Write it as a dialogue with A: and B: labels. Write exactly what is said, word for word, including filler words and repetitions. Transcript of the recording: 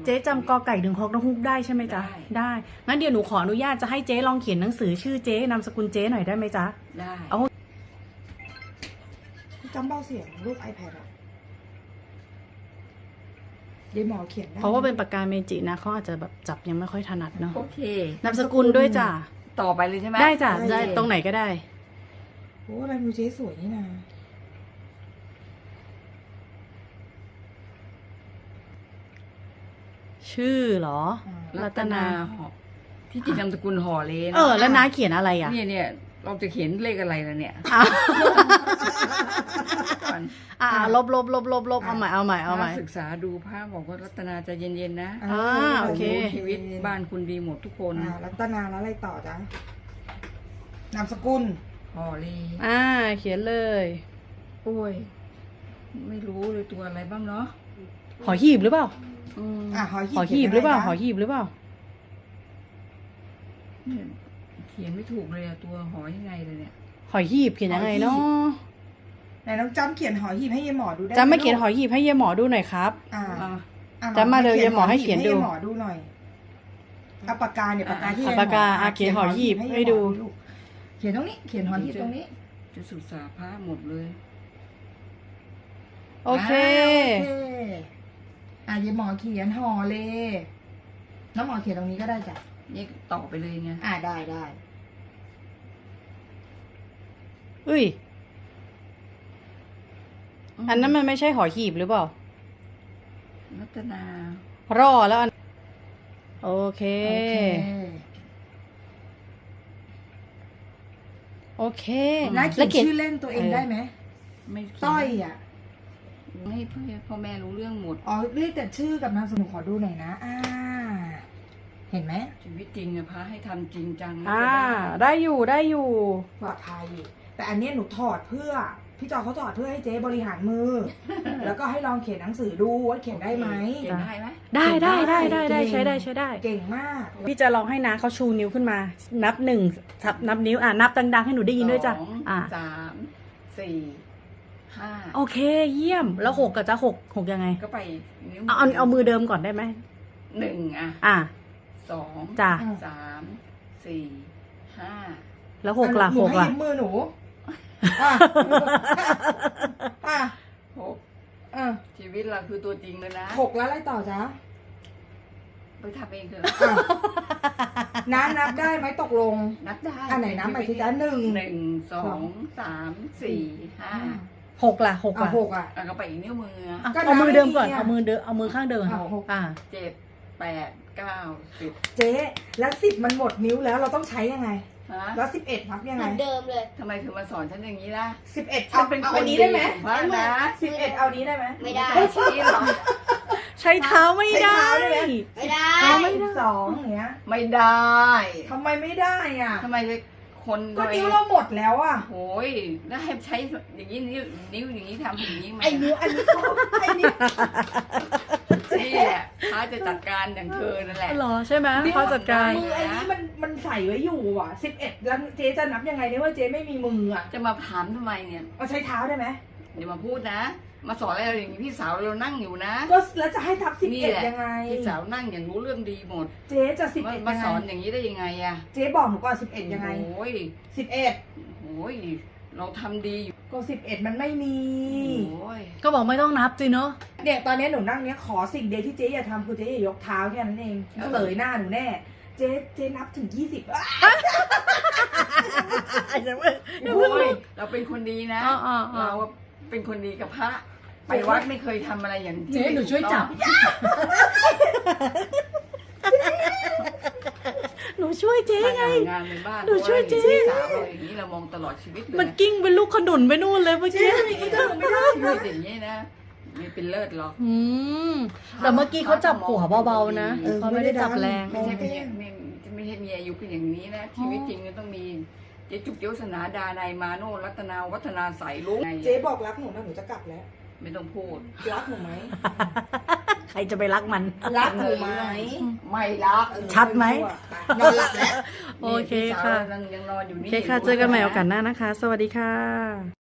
A: เจ๊จำกอไก่ถึงฮอกนกฮูกได้ใช่ไหมจ๊ะได้งั้นเดี๋ยวหนูขออนุญาตจะให้เจ๊ลองเขียนหนังสือชื่อเจ๊นามสกุลเจ๊หน่อยได้ไหมจ๊ะ
B: ได้
A: เอา
C: จำเบาเสียงรูป iPad อ่ะเดี๋ยวหมอเขียนได้
A: เพราะว่าเป็นปากกาเมจินะเขาอาจจะแบบจับยังไม่ค่อยถนัดเนาะ
B: โอเคน
A: ามสกุลด้วยจ้ะ
B: ต่อไปเลยใช่ไหม
A: ได้จ้ะได้ตรงไหนก็ได้
C: โอ้ลายมือเจ๊สวยนี่นะ
A: ชื่อเหรอรัตนา
B: ที่จริงนามสกุลห่อเลน
A: เออแล้วน้าเขียนอะไรอ่ะ
B: เนี่ยเนี่ยเราจะเขียนเลขอะไรล่ะเนี่ย
A: อ่าลบลบลบลบลบเอาใหม่เอาใหม่เอาใหม่
B: ศึกษาดูภาพบอกว่ารัตนาจะเย็นๆนะ
A: อ่าโอเค
B: ชีวิตบ้านคุณดีหมดทุกคน
C: รัตนาแล้วอะไรต่อจ๊ะนามสกุล
B: ห่อเล
A: อ่าเขียนเลย
B: โอ้ยไม่รู้เลยตัวอะไรบ้างเนาะ
A: หอหีบหรือเปล่า
C: อ่าห
A: อหีบหรือเปล่าหอหีบหรือเปล่า
B: เขียนไม่ถูกเลยอะตัวหอยังไงเลยเนี่ย
A: หอหีบเขียนยังไงเนาะ
C: ไหนน้องจำเขียนหอหีบให้ยายหมอดูได้
A: จำไม่เขียนหอหีบให้ยายหมอดูหน่อยครับ
C: อ่า
A: จำมาเลยยายหมอให้เขียนดู
C: ให้หมอดูหน่อยเอาปากกาเนี่ยปากกาที่
A: ปากกาเขียนหอหีบให้ดู
C: เขียนตรงนี้เขียนหอหีบตรงนี้
B: จะศึกษาพระหมดเลย
A: โอเค
C: อ่ะยายหมอเขียนห่อเลยน้องหมอเขียนตรงนี้ก็ได้จ้ะ
B: นี่ต่อไปเลยไง
C: อ่าได้ได้
A: อุ้ยอันนั้นมันไม่ใช่หอหีบหรือเปล่า
B: รัตน
A: ารอแล้วอันโอเคโอเค
C: แล้วเขียนชื่อเล่นตัวเองได้ไหม
B: ไม่
C: ต้อยอ่ะ
B: ให้พ่อแม่รู้เรื่องหมด
C: อ๋อเรียกแต่ชื่อกับนามสกุลขอดูหน่อยนะอ่าเห็นไหม
B: ชีวิตจริงอะพระให้ทำจริงจัง
A: อ่าได้อยู่ได้อยู่
C: ปลอดภัยแต่อันนี้หนูถอดเพื่อพี่จอเขาถอดเพื่อให้เจ๊บริหารมือ แล้วก็ให้ลองเขียนหนังสือดูว่าเขียนได้ไหม
B: เขียนได้ไหม
A: ได้ได้ได้ได้ได้ใช้ได้ใช้ได้
C: เก่งมาก
A: พี่จะลองให้นะเขาชูนิ้วขึ้นมานับหนึ่งนับนิ้วอ่ะนับดังๆให้หนูได้ยินด้วยจ้ะอ่า
B: สามสี่ห้า
A: โอเคเยี่ยมแล้วหกกับจะหกหกยังไง
B: ก็ไปนิ้ว
A: เอาเอาเอามือเดิมก่อนได้ไหม
B: หนึ่งอ่ะ
A: อ่ะ
B: สอง
A: จ้ะ
B: สามสี่ห้า
A: แล้วหกล่ะหกล่ะ
C: มือหนูอ่ะอ่ะ
B: หกอ่ะชีวิตเราคือตัวจริงเลยนะ
C: หกแล้วอะไรต่อจ๊ะ
B: ไปทำเองเถอะ
C: น้านับได้ไหมตกลง
B: นับได้
C: อันไหนนับไปสิจ๊ะหนึ่ง
B: หนึ่งสองสามสี่ห้า
A: หกล่ะหกล่ะ
C: หกอ่ะ
B: ก็ไปอีกนิ้วมือ
A: เอามือเดิมก่อนเอามือเดิมเอามือข้างเดิมอ่า
B: เจ็ดแปดเก้าสิบ
C: เจ๊แล้วสิบมันหมดนิ้วแล้วเราต้องใช้ยังไงแล้วสิบเอ็ดนับยังไง
D: เดิมเลย
B: ทำไมเธอมาสอนฉันอย่างนี้ล่ะ
C: สิบเอ็ดเอาเป็นคนนี้ได้ไหม
B: นะ
C: สิบเอ็ดเอานี้ได้ไหม
D: ไม่ได้
B: ชี้หรอ
A: ใช้เท้าไม่ได้
D: ไม่ได้
C: ไม่ได้สองอย่างเงี้ย
B: ไม่ได้
C: ทำไมไม่ได้อ่ะ
B: ทำไมคน
C: ก็นิ้วเราหมดแล้วอ่ะ
B: โอ้ยแล้วให้ใช้อย่างนี้นิ้วนิ้วอย่างนี้ทำอย่างนี้ไหม
C: ไอ้นิ้วอันนี้ไอ้นิ้ว
B: นี่แหละเขาจะจัดการอย่างเธอนั่นแหละ
A: หรอใช่ไหมเขาจัดการ
C: มืออันนี้มันมันใส่ไว้อยู่อ่ะสิบเอ็ดแล้วเจ๊จะนับยังไงเนี่ยว่าเจ๊ไม่มีมืออ่ะ
B: จะมาถามทำไมเนี่ย
C: เอาใช้เท้าได้ไหม
B: เดี๋ยวมาพูดนะมาสอนอะไรอย่างนี้พี่สาวเรานั่งอยู่นะ
C: ก็แล้วจะให้ทับสิบเอ็ดยังไง
B: พี่สาวนั่งอย่างรู้เรื่องดีหมด
C: เจ๊จะสิบเอ็ด
B: มาสอนอย่างนี้ได้ยังไงอะ
C: เจ๊บอกหนูก่อนสิบเอ็ดยังไง
B: โอ้ย
C: สิบเอ็ด
B: โอ้ยเราทำดีอยู่
C: ก็สิบเอ็ดมันไม่มี
A: ก็บอกไม่ต้องนับสิเนาะ
C: เนี่ยตอนนี้หนูนั่งเนี้ยขอสิ่งเดียวที่เจ๊อย่าทำคือเจ๊อย่ายกเท้าแค่นั้นเองเสยหน้าหนูแน่เจ๊เจ๊นับถึงยี่สิบ
B: โอ้ยเราเป็นคนดีนะเราเป็นคนดีกับพระไปวัดไม่เคยทำอะไรอย่างที่
A: เจ๊หนูช่วยจับหนูช่วยเจ๊ไง
B: งานในบ้าน
A: หนูช่วยเจ๊
B: สาวเราอย่างนี้เรามองตลอดชีวิตเลย
A: มันกิ้งเป็นลูกขนุนไปนู่นเลยเมื่อกี้
C: ไม่ได้ไม่ได้
B: ชีวิตอย่างนี้นะมีเป็นเลิศหรอก
A: อืมแต่เมื่อกี้เขาจับหัวเบาๆนะเขาไม่ได้จับแรง
B: ไม่ใช่ไม่ไม่ใช่มีอายุเป็นอย่างนี้นะชีวิตจริงมันต้องมีเจ๊จุกเจ้าสนาดานายมาโนรัตนาวัฒนาใสลุง
C: เจ๊บอกรักหนูนะหนูจะกลับแล้ว
B: ไม่ต้องพูด
C: รักหนูไหม
A: ใครจะไปรักมัน
C: รักหนูไหม
B: ไม่รัก
A: ชัดไหม
C: นอนหลับแล้ว
A: โอเคค่ะ
B: ยังนอนอยู่นี่
A: โอเคค่ะเจอกันใหม่โอกาสหน้านะคะสวัสดีค่ะ